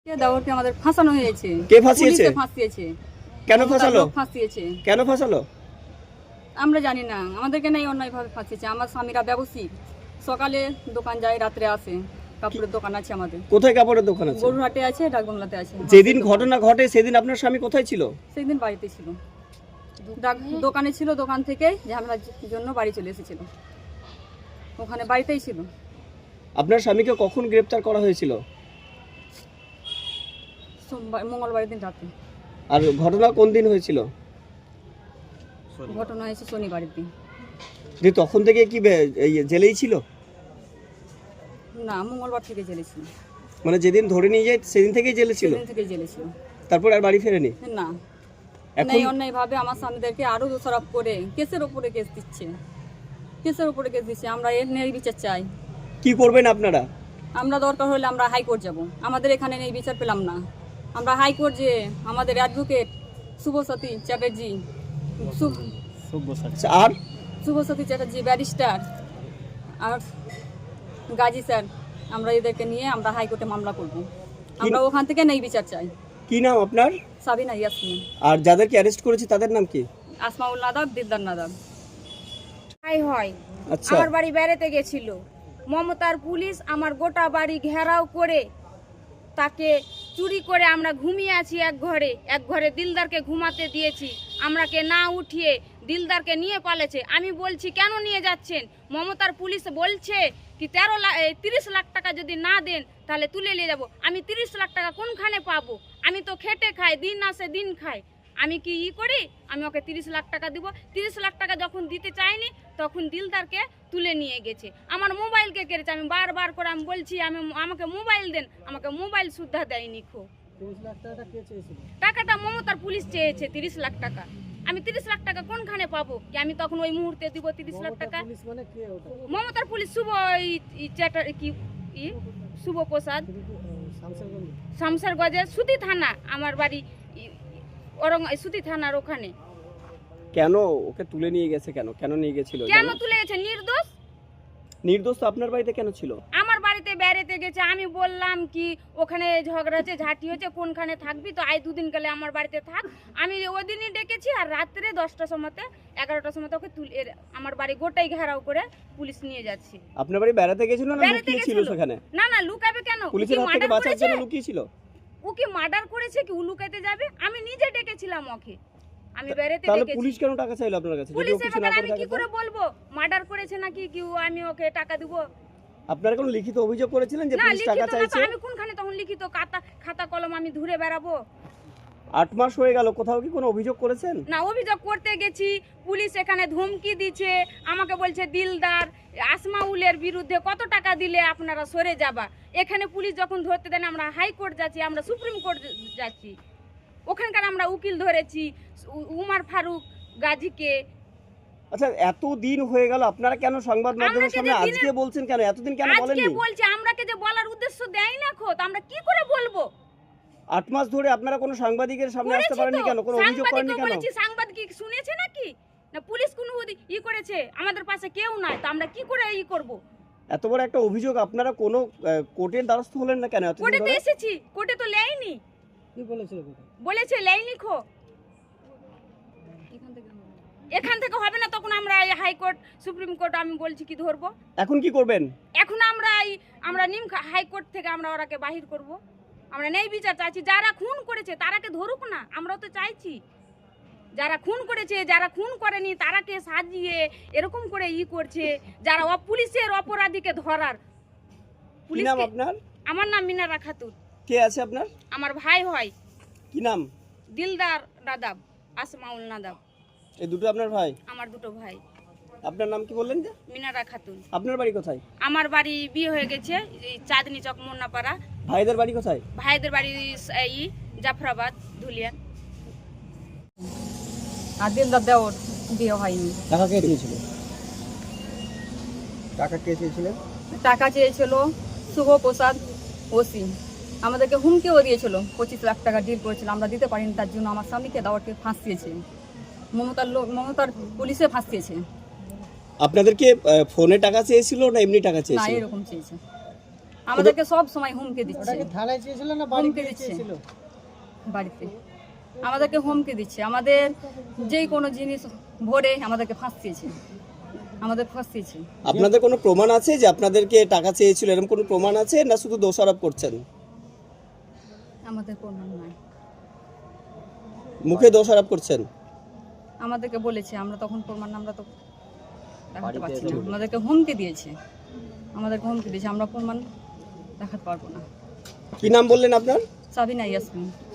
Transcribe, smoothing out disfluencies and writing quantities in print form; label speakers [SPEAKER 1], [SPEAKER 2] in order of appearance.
[SPEAKER 1] দাওয়ারকে আমাদের ফাঁসানো হয়েছে।
[SPEAKER 2] কে ফাঁসিয়েছে?
[SPEAKER 1] পুলিশে ফাঁসিয়েছে।
[SPEAKER 2] কেন ফাঁসালো?
[SPEAKER 1] ফাঁসিয়েছে
[SPEAKER 2] কেন ফাঁসালো?
[SPEAKER 1] আমরা জানি না, আমাদেরকে নাই অন্যায়ভাবে ফাঁসিয়েছে। আমার স্বামীরা ব্যবসায়ী, সকালে দোকান যায়, রাত্রে আসে। কাপড়ের দোকান আছে আমাদের।
[SPEAKER 2] কোথায় কাপড়ের দোকান আছে?
[SPEAKER 1] গরুহাটে আছে, ডাকবাংলাতে আছে।
[SPEAKER 2] যেদিন ঘটনা ঘটে সেদিন আপনার স্বামী কোথায় ছিল?
[SPEAKER 1] সেদিন বাড়িতে ছিল, দোকানে ছিল। দোকান থেকে ঝামেলার জন্য বাড়ি চলে এসেছিল, ওখানে বাড়িতেই ছিল।
[SPEAKER 2] আপনার স্বামীকে কখন গ্রেফতার করা হয়েছিল?
[SPEAKER 1] সোমবার, মঙ্গলবারের দিন রাতে।
[SPEAKER 2] আর ঘটনা কোন দিন হয়েছিল?
[SPEAKER 1] ঘটনা হয়েছে শনিবারের দিন।
[SPEAKER 2] যে তখন থেকে কি এই জেলেই ছিল?
[SPEAKER 1] না, মঙ্গলবার থেকে জেলে ছিল।
[SPEAKER 2] মানে যেদিন ধরে নিয়ে যায় সেদিন থেকেই জেলে ছিল?
[SPEAKER 1] সেদিন থেকে জেলে ছিল।
[SPEAKER 2] তারপর আর বাড়ি ফেরেনি?
[SPEAKER 1] না,
[SPEAKER 2] এখন
[SPEAKER 1] এই অন্যায়ভাবে আমার স্বামীদেরকে আরো দোষারোপ করে কেসের উপরে কেস দিচ্ছে, কেসের উপরে কেস দিচ্ছে। আমরা এর ন্যায় বিচার চাই।
[SPEAKER 2] কি করবেন আপনারা?
[SPEAKER 1] আমরা দরকার হলে আমরা হাইকোর্ট যাব। আমাদের এখানে নেই, বিচার পেলাম না। আমরা হাইকোর্ট যে আমাদের অ্যাডভোকেট শুভসতী চ্যাটার্জি,
[SPEAKER 2] আর
[SPEAKER 1] শুভসতী চ্যাটার্জি ব্যারিস্টার আর গাজী স্যার, আমরা এদেরকে নিয়ে আমরা হাইকোর্টে মামলা করব। আমরা ওখান থেকে নেই বিচার চাই।
[SPEAKER 2] কি নাম আপনার?
[SPEAKER 1] সাবিনা ইয়াসমিন।
[SPEAKER 2] আর যাদেরকে অ্যারেস্ট করেছে তাদের নাম কি?
[SPEAKER 1] আসমাউল নাদাব, দিলদার নাদাব।
[SPEAKER 3] হয়
[SPEAKER 2] আচ্ছা,
[SPEAKER 3] আমার বাড়ি বেড়াতে গেছিল। মমতার পুলিশ আমার গোটা বাড়ি ঘেরাও করে তাকে চুরি করে আমরা ঘুমিয়ে আছি এক ঘরে দিলদারকে ঘুমাতে দিয়েছি। আমরাকে না উঠিয়ে দিলদারকে নিয়ে পালেছে। আমি বলছি কেন নিয়ে যাচ্ছেন? মমতার পুলিশ বলছে কি 30 লাখ টাকা যদি না দেন তাহলে তুলে নিয়ে যাব। আমি 30 লাখ টাকা কোনখানে পাবো? আমি তো খেটে খাই, দিন আসে দিন খাই। আমি কি করি? আমি ওকে 30 লাখ টাকা দিব। 30 লাখ টাকা যখন দিতে চাইনি তখন দিলদারকে তুলে নিয়ে গেছে। আমার মোবাইলকে কেড়েছে। আমি বারবার করে আমি বলছি আমাকে মোবাইল দেন, আমাকে মোবাইল সুদ্ধা দেয়নি।
[SPEAKER 4] 30 লাখ টাকাটা কে চেয়েছিল?
[SPEAKER 3] টাকাটা মমতার পুলিশ চেয়েছে 30 লাখ টাকা। আমি 30 লাখ টাকা কোনখানে পাবো? কি আমি তখন ওই মুহূর্তে দিব 30 লাখ টাকা?
[SPEAKER 4] পুলিশ মানে কে ওটা?
[SPEAKER 3] মমতার পুলিশ শুভ শুভ প্রসাদ,
[SPEAKER 4] শামসারগঞ্জ।
[SPEAKER 3] শামসারগঞ্জের সুতি থানা। আমার বাড়ি সুতি থানার ওখানে।
[SPEAKER 2] কেন ওকে তুলে নিয়ে গেছে? কেন কেন নিয়ে গেছিল?
[SPEAKER 3] কেন তুলে গেছে? নির্দোষ।
[SPEAKER 2] নির্দোষ তো আপনার বাড়িতে কেন ছিল?
[SPEAKER 3] আমার বাড়িতে বেড়াতে গেছে। আমি বললাম কি ওখানে ঝগড়া হচ্ছে, ঝাঁটি হচ্ছে, কোনখানে থাকবি? তো আই 2 দিন গেলে আমার বাড়িতে থাক। আমি ওই দিনই ডেকেছি। আর রাত্রে 10টার সময়তে 11টার সময় ওকে আমার বাড়ি গোটাই ঘেরাও করে পুলিশ নিয়ে যাচ্ছে।
[SPEAKER 2] আপনার বাড়ি বেড়াতে গেছিল না
[SPEAKER 3] বেড়াতে
[SPEAKER 2] লুকিয়ে ছিল
[SPEAKER 3] গেছিল।
[SPEAKER 2] সেখানে?
[SPEAKER 3] না না, লুকাবে কেন?
[SPEAKER 2] পুলিশের হাত থেকে বাঁচার জন্য লুকিয়ে ছিল।
[SPEAKER 3] ও কি মার্ডার করেছে কি ও লুকাতে যাবে? আমি নিজে ডেকেছিলাম ওকে। আমি বেড়াতে
[SPEAKER 2] তাহলে
[SPEAKER 3] ডেকেছি।
[SPEAKER 2] পুলিশ কেন টাকা চাইলো আপনার কাছে? যদি ও
[SPEAKER 3] পুলিশের
[SPEAKER 2] কিছু না
[SPEAKER 3] ব্যাপারে
[SPEAKER 2] করে
[SPEAKER 3] আমি কি
[SPEAKER 2] থাকে?
[SPEAKER 3] করে বলবো মার্ডার করেছে নাকি কি আমি ওকে টাকা দেব?
[SPEAKER 2] আপনারা কোনো লিখিত অভিযোগ করেছিলেন যে
[SPEAKER 3] না,
[SPEAKER 2] পুলিশ টাকা
[SPEAKER 3] লিখিত না তো।
[SPEAKER 2] চাইছে?
[SPEAKER 3] আমি কোনখানে তখন লিখিত খাতা কলম আমি ধরে বেড়াবো?
[SPEAKER 2] 8 মাস হয়ে গেল, কোথাও কি কোনো অভিযোগ করেছেন?
[SPEAKER 3] না, অভিযোগ করতে গেছি। পুলিশ এখানে ধমকি দিচ্ছে। আমাকে বলছে দিলদার আসমাউলের বিরুদ্ধে কত টাকা দিলে আপনারা সরে যাবা। এখানে পুলিশ যখন ধরতে দেন আমরা হাইকোর্ট যাচ্ছি, আমরা সুপ্রিম কোর্ট যাচ্ছি। ওখানকার আমরা উকিল ধরেছি, উমার ফারুক গাজীকে।
[SPEAKER 2] আচ্ছা, এত দিন হয়ে গেল, আপনারা কেন সংবাদ মাধ্যমের সামনে আজকে বলছেন? কেন এতদিন কেন
[SPEAKER 3] আজকে
[SPEAKER 2] বলেননি?
[SPEAKER 3] বলছে আমরাকে যে বলার উদ্দেশ্য দেয় না খোদ, আমরা কি করে বলবো?
[SPEAKER 2] 8 মাস ধরে আপনারা কোনো সাংবাদিকের সামনে আসতে
[SPEAKER 3] করেছি
[SPEAKER 2] পারেননি
[SPEAKER 3] তো।
[SPEAKER 2] কেন? কোনো অভিযোগ করেননি
[SPEAKER 3] সাংবাদিকও
[SPEAKER 2] কেন?
[SPEAKER 3] বলেছি, সাংবাদিক কি শুনেছে নাকি? না পুলিশ কোনো করেছে? আমাদের পাশে কেউ নাই, তো আমরা কি করে করব?
[SPEAKER 2] এত বড় একটা অভিযোগ, আপনারা কোনো কোর্টের দ্বারস্থ হলেন না কেন এতদিন
[SPEAKER 3] কোর্টে তো
[SPEAKER 2] ধরে?
[SPEAKER 3] এসেছি, কোর্টে তো লেয়নি।
[SPEAKER 4] কি বলেছিল?
[SPEAKER 3] বলেছে লেয়নি খো। এখান থেকে হবে না, তখন আমরা হাইকোর্ট সুপ্রিম কোর্ট আমি বলছি কি ধরবো।
[SPEAKER 2] এখন কি করবেন?
[SPEAKER 3] এখন আমরা নিম হাইকোর্ট থেকে আমরা ওরাকে বাহির করব। আমরা নেই বিচার চাইছি। যারা খুন করেছে তারাকে ধরুক না, আমরাও তো চাইছি। যারা খুন করেছে, যারা খুন করেনি তারাকে সাজিয়ে এরকম করে করছে, যারা পুলিশের অপরাধীকে ধরার।
[SPEAKER 2] কি নাম আপনার?
[SPEAKER 3] আমার নাম মিনারা খাতুন।
[SPEAKER 2] কে আছে আপনার?
[SPEAKER 3] আমার ভাই হয়
[SPEAKER 2] কি নাম?
[SPEAKER 3] দিলদার নাদাব, আসমাউল নাদাব।
[SPEAKER 2] এই দুটো আপনার ভাই?
[SPEAKER 3] আমার দুটো ভাই।
[SPEAKER 2] আপনার নাম কি বললেন যে?
[SPEAKER 3] মিনারা খাতুন।
[SPEAKER 2] আপনার বাড়ি কোথায়?
[SPEAKER 3] আমার বাড়ি বিয়ে হয়ে গেছে এই চাঁদনি চক মুন্নাপাড়া।
[SPEAKER 2] ভাইদের বাড়ি কোথায়?
[SPEAKER 3] ভাইদের বাড়ি জাফরাবাদ, ধুলিয়ান।
[SPEAKER 1] আর দিলদার দেওর বিয়ে হয়নি।
[SPEAKER 2] টাকা কে দিয়েছিল? টাকা কে চেয়েছিলেন?
[SPEAKER 1] টাকা চেয়েছিল শুভ প্রসাদ ওসি। আমাদেরকে হুমকিও দিয়েছিল, 25 লাখ টাকা ডিল করেছিল, আমরা দিতে পারিনি। তার জন্য আমার স্বামীকে দাওয়ারকে ফাঁসিয়েছে। মমতার পুলিশে ফাঁসিয়েছে।
[SPEAKER 2] আপনাদেরকে ফোনে টাকা চেয়েছিল না এমনি টাকা
[SPEAKER 1] না,
[SPEAKER 2] চেয়েছিল?
[SPEAKER 1] এরকম চেয়েছে। আমাদেরকে সব সময় হুমকি
[SPEAKER 4] ওটা
[SPEAKER 1] দিচ্ছে
[SPEAKER 4] কি থানায় চেয়েছিল না বাড়ি
[SPEAKER 1] হুমকি
[SPEAKER 4] গিয়ে
[SPEAKER 1] দিচ্ছে।
[SPEAKER 4] চেয়েছিল?
[SPEAKER 1] বাড়িতে আমাদেরকে হুমকি দিচ্ছে, আমাদের যেই কোনো জিনিস ভরে আমাদেরকে ফাঁসিয়েছে, আমাদের ফাঁসিয়েছে।
[SPEAKER 2] আপনাদের কোনো প্রমাণ আছে যে আপনাদেরকে টাকা চেয়েছিল, এরকম কোনো প্রমাণ আছে না শুধু দোষারোপ করছেন?
[SPEAKER 1] আমাদের প্রমাণ নাই,
[SPEAKER 2] মুখে দোষারোপ করছেন।
[SPEAKER 1] আমাদেরকে বলেছে, আমরা তখন প্রমাণ আমরা তো দেখাতে পারছি না, আমাদেরকে হুমকি দিয়েছে, আমরা প্রমাণ দেখাতে পারবো না।
[SPEAKER 2] কি নাম বললেন আপনার?
[SPEAKER 1] সাবিনা ইয়াসমিন।